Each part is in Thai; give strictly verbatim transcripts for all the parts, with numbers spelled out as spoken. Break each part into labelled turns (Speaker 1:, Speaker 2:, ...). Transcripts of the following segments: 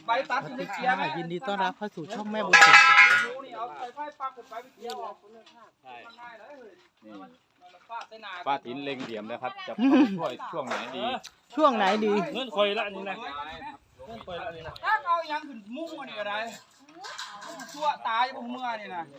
Speaker 1: ใบตัดอยู่ในเกียร์
Speaker 2: ยินดีต้อนรับเข้าสู่ช่องแม่บุญถึง
Speaker 1: นี่เอาใส่ไฟปักขึ้นไปเกียร์ออกใช่ง่ายเลย
Speaker 3: ป้าติ๋นเล็งเหลี่ยมนะครับจะช่วยช่วงไหนดี
Speaker 2: ช่วงไหนดี
Speaker 4: เงินคอยละนี่นะเงินคอยละนี่นะ
Speaker 1: ถ้าเอายังขึ้นมุ้งนี่อะไรตัวตายพวกเมื่อนี่นะ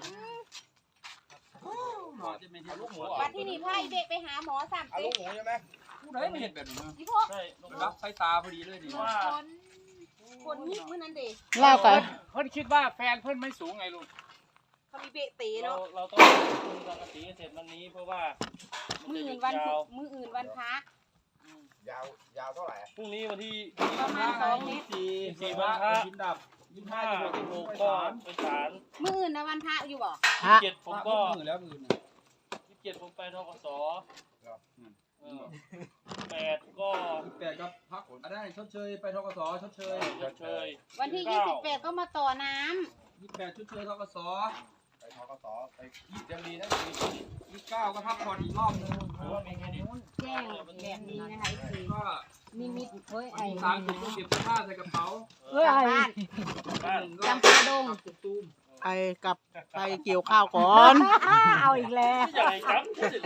Speaker 5: วัดที่นี่พายเด็กไปหาหมอสาม
Speaker 1: เอา
Speaker 5: เด็
Speaker 1: ลู
Speaker 5: ก
Speaker 1: กหมูใช่ไหมผู้ใดไม่เห็นแบบนี้
Speaker 5: พี่พวก
Speaker 4: ใช่ลง
Speaker 1: รับสายตาพอดีเลยนี่
Speaker 4: ว่า
Speaker 5: คนคนยิกมื่อนั้นเด็ก
Speaker 2: เล่ากัน
Speaker 3: เพิ่นคิดว่าแฟนเพิ่นไม่สูงไงลุง
Speaker 5: เขามีเบะตี
Speaker 4: เรา
Speaker 5: เนาะ
Speaker 4: เราต้องคุยกันสีเสร็จวันนี้เพราะว่า
Speaker 5: มือ
Speaker 4: จะห
Speaker 5: อื่
Speaker 4: ยุ
Speaker 5: น
Speaker 4: ด
Speaker 5: วัน
Speaker 4: ยาว
Speaker 5: มืออื่นวันพระ
Speaker 1: ยาวยาวเท่าไหร่
Speaker 4: พรุ่งนี้วันที่
Speaker 5: ประมาณสองเมตร
Speaker 1: สี่สี่วันกินดับยี่สิบห้า
Speaker 4: ห้า
Speaker 1: จะ
Speaker 4: สิ
Speaker 1: ห
Speaker 4: บ
Speaker 1: ก
Speaker 4: ห
Speaker 1: สิ
Speaker 4: ก
Speaker 1: บหก
Speaker 4: ก็
Speaker 1: ก็
Speaker 4: ไปศาล
Speaker 5: มืออื่นนะวันพระอยู่บ่
Speaker 2: ฮะ
Speaker 4: เจ็ดผม
Speaker 1: ก็
Speaker 4: ก็
Speaker 1: มือแล้วมือ
Speaker 4: ยี่สิบเจ็ดผมไปทกสเออแปดก็
Speaker 1: ยี่สิบแปดก็พักอะไรชดเชยไปทกสชดเชย
Speaker 4: ชดเชย
Speaker 5: วันที่ยี่สิบแปดก็มาต่อน้
Speaker 1: ยี่สิบแปดชดเชยทกส
Speaker 3: ไปทกสไปยังดีนะ
Speaker 1: ยี่สิบเก้าก็พักผ่อนอีกรอบนึง
Speaker 4: หรือว่ามีแค่นี้
Speaker 5: ำแจ้งแบบนี้นะคะคือ
Speaker 1: ก็
Speaker 5: นิมิตเฮ้ยไอ้
Speaker 1: สามสิบก็เก็บเสื้อผ้าใส่กระเป๋า
Speaker 5: เฮ้ยบ้าน
Speaker 4: บ้าน
Speaker 5: จำปาดง
Speaker 1: ตุกตูม
Speaker 2: ไปกับไปเกี่ยวข้าวก่อน
Speaker 5: เอาอีกแล้ว
Speaker 4: ใหญ่ครับ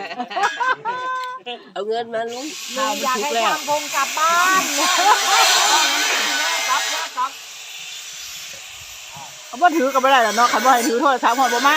Speaker 6: เอาเงินมาลุง
Speaker 2: ข้าวมันสุกแล้ว
Speaker 5: พงกลับบ้าน
Speaker 1: ครับครับ
Speaker 2: เอาบ่ถือกันไม่ได้หรอเนาะคันบ่ให้ถือโทรศัพท์หอดบ่มา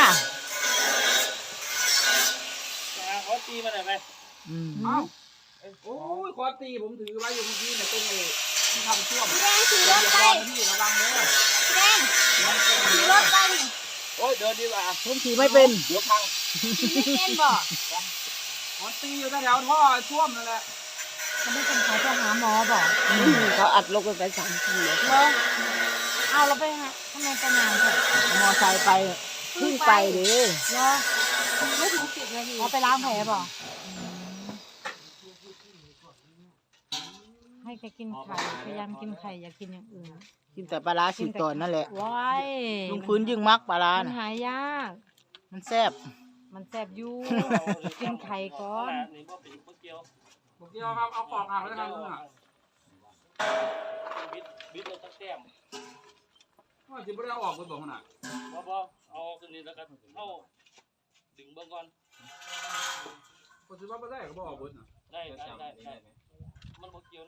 Speaker 4: เขาตีมาหน่อยไหม
Speaker 2: อืม
Speaker 1: เอ้าโอ้ยคอตีผมถือไว้อยู่เมื่อกี้เนี่ยตรงเลยที่ทำช่วง
Speaker 5: พี่แดงขี่รถไป
Speaker 1: พี่ระวังเลย
Speaker 5: พี่แดงขี่รถไป
Speaker 3: โอ้ยเดินดีกว่า
Speaker 2: ผมขี่ไม่เป็น
Speaker 3: เดี๋ยวพัง
Speaker 5: ขี่ไม่เป็นบ่
Speaker 1: คอตีอยู่แถวท่อช่วมนั่นแหละ
Speaker 5: เขาไม่เป็นเขาจะหาหมอบ่
Speaker 6: เขาอัดลงไปสามทีเลย
Speaker 5: เอาเราไปฮะทำไมไปนานเถอะ
Speaker 2: มอไซค์ไปเพึ่งไปเด้
Speaker 5: เหรอไม่ถึงสิบนาทีเขาไปล้างแผลบ่ให้แกกินไข่พยายามกินไข่อย่ากินอย่างอื่น
Speaker 2: กินแต่ปลาร้าสิบตอนนั่นแหละ
Speaker 5: ว้าย
Speaker 2: ลุงพื้นยิ่งมักปลาร้า
Speaker 5: มัน
Speaker 2: น่ะ
Speaker 5: หายาก
Speaker 2: มันแซ่บ
Speaker 5: มันแสบอยู่ กินไข่ก่อน
Speaker 4: นี่พ่อเป็นพ่อเกียว
Speaker 1: บอกเดียวครับเอาปอกหักแล้วกันลุงอ่ะ
Speaker 4: บิดบิดเราตั้งแต้ม
Speaker 1: ว่าจะไม่ได้เอาออกไปบอกขนาด
Speaker 4: พอพอเอาคืนนี้แล้วกันเอาดึงเบื้องก่อน
Speaker 1: ก็ถือว่าไม่ได้ก็บอกออกเบิดนะ
Speaker 4: ได้ได้ได้ได้มันพ่อเกียวนะ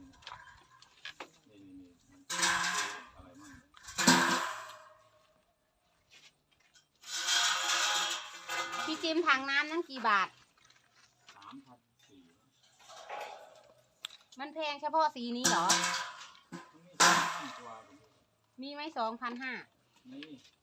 Speaker 5: พี่จิมถังน้ำนั้นกี่บาท
Speaker 3: สามพันสี่
Speaker 5: มันแพงเฉพาะสีนี้เหรอ
Speaker 3: มีตัว
Speaker 5: มีไหมสองพันห้า
Speaker 3: นี่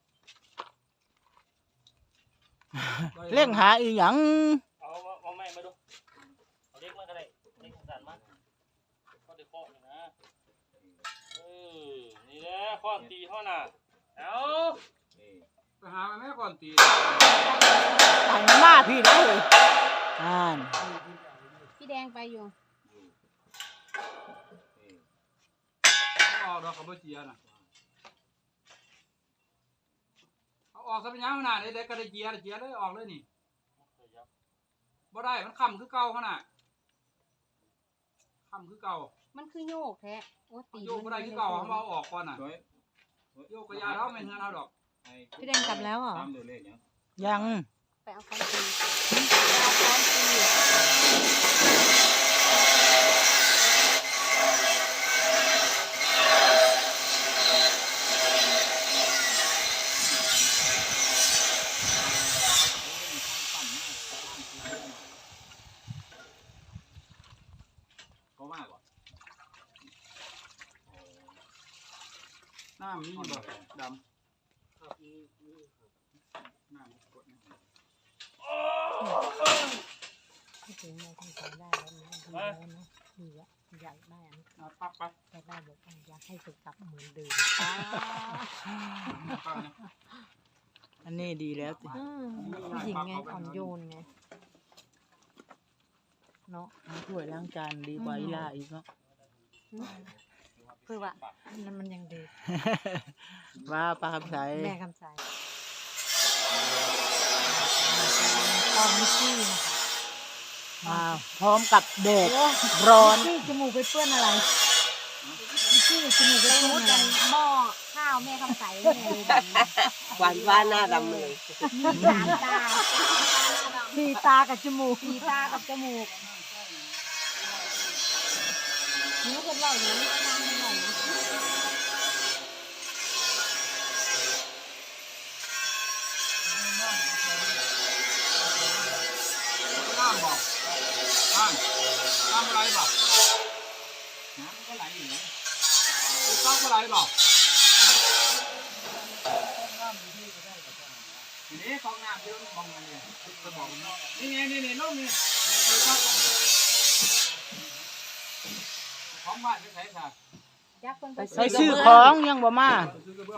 Speaker 2: เร่งหาอีหยัง
Speaker 4: เอาเอาไม่มาดูเอาเล็กมาก็ได้เล็กสั่นมาก็ได้ข้อเลยนะเออนี่แหละข้อตีข้อน่ะเอา
Speaker 3: นี่
Speaker 1: ไปหาแม่ก่อนตี
Speaker 2: ใส่มาม่าพี่ได้เลยอ่าน
Speaker 5: พี่แดงไปอยู่
Speaker 3: นี่
Speaker 1: ออกดอกเขาไม่เจียนะเอาออกซะเป็นยังขนาดนี้เด็กก็ได้เจียเจียเลยออกเลยนี่บ่ได้มันค่ำคือเก่าขนาดค่ำคือเก่า
Speaker 5: มันคือโยกแท้โอ้ตี
Speaker 1: โยกบ่ได้คือเก่าเขาเอาออกก่อนน่ะ
Speaker 3: สวย
Speaker 1: โยกกระยาเท้าไม่เงินเอาดอก
Speaker 5: พี่แดงกลับแล้วเหรอ
Speaker 3: ตามเดือเลขยัง
Speaker 2: ยัง
Speaker 5: ไปเอาค้อนตีไปเอาค้อนตี
Speaker 3: ก็มากกว่า
Speaker 1: หน้ามันนี่บ่ดำหน้ามันกดนะ
Speaker 5: พี่ถึงเราทำใจได้แล้วนะดีแล้วนะดีอะอยากได้อัน
Speaker 1: อ่ะปักไป
Speaker 5: อยากได้บอกว่าอยากให้สุขภาพเหมือนเดิมอ่า
Speaker 1: ปักนะ
Speaker 2: อันนี้ดีแล้วสิ
Speaker 5: อืมผู้หญิงไงอ่อนโยนไงเนาะ
Speaker 2: ช่วยล้างจานดีกว่าอีลาอีกเนาะ
Speaker 5: คือว่านั่นมันยังเด็ก
Speaker 2: ว่าปลาคำใส
Speaker 5: แม่คำใสตอนมิชี่นะคะ
Speaker 2: มาพร้อมกับแดดร้อน
Speaker 5: มิชี่จมูกไปเปื้อนอะไรมิชี่ที่จมูก
Speaker 7: ไป
Speaker 5: ไป
Speaker 7: มุ
Speaker 5: มุ
Speaker 7: ด
Speaker 5: ด
Speaker 7: กั
Speaker 5: กัน น
Speaker 7: หม้อข้าวแม่คำใสแม่เลยดำนะ
Speaker 6: หวานฟ้าหน้าดำเลย
Speaker 7: มีสามตา
Speaker 5: สีตากับจมูก
Speaker 7: สีตากับจมูกนิ้วคนเราอย่างนี้ก็นั่งไม่ไหวนะ
Speaker 1: น้ำบอกน้ำน้ำอะไรบอกน้ำก็ไหลอยู่นะน้ำก็ไหลบอกทีนี้กองน้ำที่เรามองกันเนี่ยจะบอกนี่ไงนี่นี่ลูกนี่ของบ้านไม่ใช่ค่ะ
Speaker 7: ยักษ์คน
Speaker 6: ไป
Speaker 2: ไปซื้อของยังบ่มา
Speaker 1: ซื้อกระเบื้อง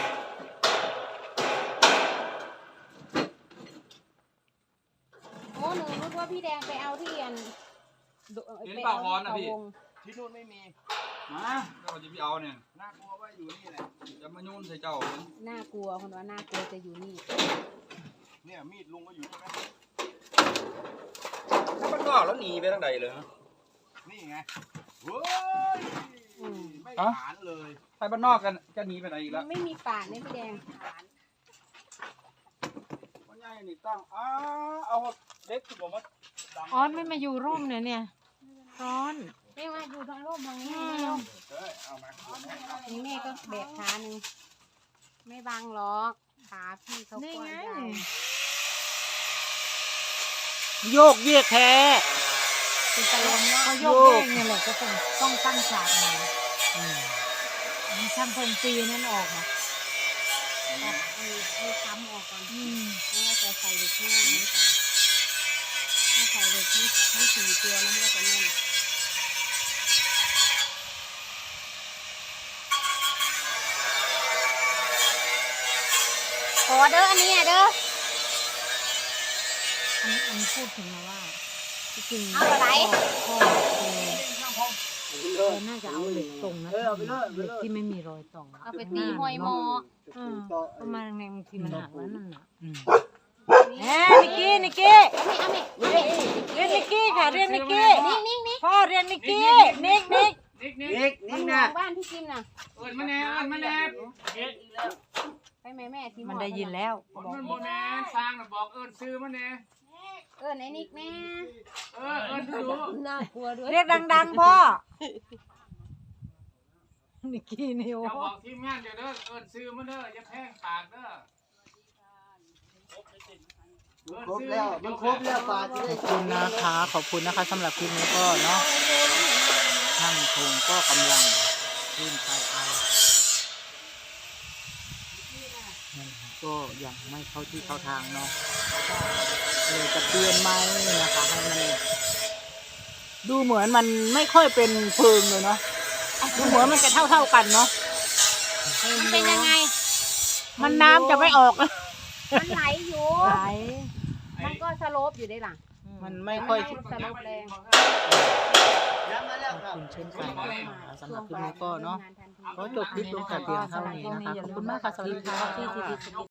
Speaker 7: โอ้หนูรู้ว่าพี่แดงไปเอาที่อัน
Speaker 1: เห็นปากวอนนะพี่
Speaker 7: วง
Speaker 3: ที่นู่นไม่มี
Speaker 1: มาเราจะไปเอาเนี่ย
Speaker 3: น่ากลัวว่าอยู่นี่แหละ
Speaker 1: จะมายุ่นใส่เจ้า
Speaker 7: น่ากลัวคนว่าน่ากลัวจะอยู่นี่
Speaker 3: เนี่ยมีดลุงก็อยู่นี่ไหม
Speaker 1: ถ้ามันก็แล้วหนีไปทางใดเลยนะ
Speaker 3: นี่ไงเฮ้ย
Speaker 7: อืม
Speaker 3: ไม่ขานเลย
Speaker 1: ไปบ้านนอกกันจะหนีไปไหนอีก
Speaker 7: มั
Speaker 1: แล้ว
Speaker 7: นไม่มีปากเนี่ยพี่แดง
Speaker 1: วันใหญ่นี่ตั้งอ้าเอาเด็กที่ผมว่าดัง
Speaker 5: ออนไม่มาอยู่ร่มเนี่ยเนี่ยร้อน
Speaker 7: ไม่มาอยู่ทางร่มทางนี้ไม่ร่ม
Speaker 3: เฮ้ยเอามาเอามาเอามา
Speaker 7: นี่แม่ก็แบกขาหนึ่งไม่บังหรอกขาพี่เขา
Speaker 5: นี่
Speaker 7: กว้าง
Speaker 5: ไง
Speaker 7: ใหญ่
Speaker 2: โยกเยกแท้
Speaker 7: เป็นตะลมเนาะ
Speaker 5: เขาโยกเยกเนี่ยแหละก็ต้องต้องตั้งฉากมาอืมมีช่างเพิ่มปีนั่นออกมา
Speaker 7: ตัดอันนี้ให้ค้ำออกก่อน
Speaker 5: อืม
Speaker 7: แล้วก็จะใส่เหล็กข้างล่างนี้ก่อนถ้าใส่เหล็กทั้งทั้งสี่ตัวแล้วมันก็จะแน่นขอเด้ออันนี้อ่ะเด้อ
Speaker 5: อันนี้อันนี้พูดถึงนะว่าที่จริง
Speaker 7: เอาอะไร
Speaker 5: พ่อเออน่าจะเอาเหล็กตรงนะเหล็กที่ไม่มีรอยต่อ
Speaker 7: เอาไปตีห้อยหมอ
Speaker 5: เออประมาณในบางทีมันหักแล้วนั่นน่ะ
Speaker 7: นี่
Speaker 5: แหมนิกกี้นิกกี้
Speaker 7: เอาไหมเอาไหม
Speaker 5: เรียนนิกกี้ค่ะเรียนนิกกี้
Speaker 7: นิ่งนิ่งนิ่ง
Speaker 5: พ่อเรียนนิกกี้นิกนิก
Speaker 1: นิกนิก
Speaker 3: นิก
Speaker 7: มั
Speaker 3: นี่
Speaker 7: นม
Speaker 3: นะ
Speaker 7: องบ้านพี่จิมน่ะ
Speaker 1: เอิญมาแน่เอิญมาแน่
Speaker 7: ไปแม่แม่ที่
Speaker 5: มันได้ยินแล้ว
Speaker 1: มันโบแน่สร้างน่ะบอกเอิญซื้อมาแน่
Speaker 7: เออไหนนิกแม่
Speaker 1: เออเอิญดู
Speaker 6: น่ากลัวด้วย
Speaker 5: เรียกดังๆพ่อนิกกี้นิว
Speaker 1: จะบอกทีมงานเดี๋ยวเด้อเอิญซื้อมาเด้ออย่าแพงปากเด้อ
Speaker 3: ครบแล้วมันครบแล้วปลาจะได้
Speaker 2: ขอบคุณนะคะขอบคุณนะคะสำหรับคลิปนี้ก็เนาะช่างคงก็กำลังขึ้นไปเอานั่นค่ะก็ยังไม่เข้าที่เข้าทางเนาะเลยจะเปลี่ยนไหมนะคะให้มันดูเหมือนมันไม่ค่อยเป็นเพลิงเลยเนาะดูเหมือนมันจะเท่าเท่าๆกันเนาะ
Speaker 7: มันเป็นยังไง
Speaker 2: มันน้ำจะไม่ออกแล้ว
Speaker 7: มันไหลอยู่
Speaker 5: ไหล
Speaker 7: มันก็สโลปอยู่ได้หล่ะ
Speaker 2: มันไม่ค่อย
Speaker 7: สโลปแรง
Speaker 3: ย้ำมาแล้ว
Speaker 2: ข
Speaker 3: ค
Speaker 2: อบ
Speaker 3: รับ
Speaker 2: คุณเช่นกันนะคะสำหรับคลิปนี้ก็เนาะ
Speaker 7: ทำงทันที
Speaker 2: ขอจบคลิปลงแต่เพียงเท่านี้นะคะขอบคุณมากค่ะสวัสดีค่ะ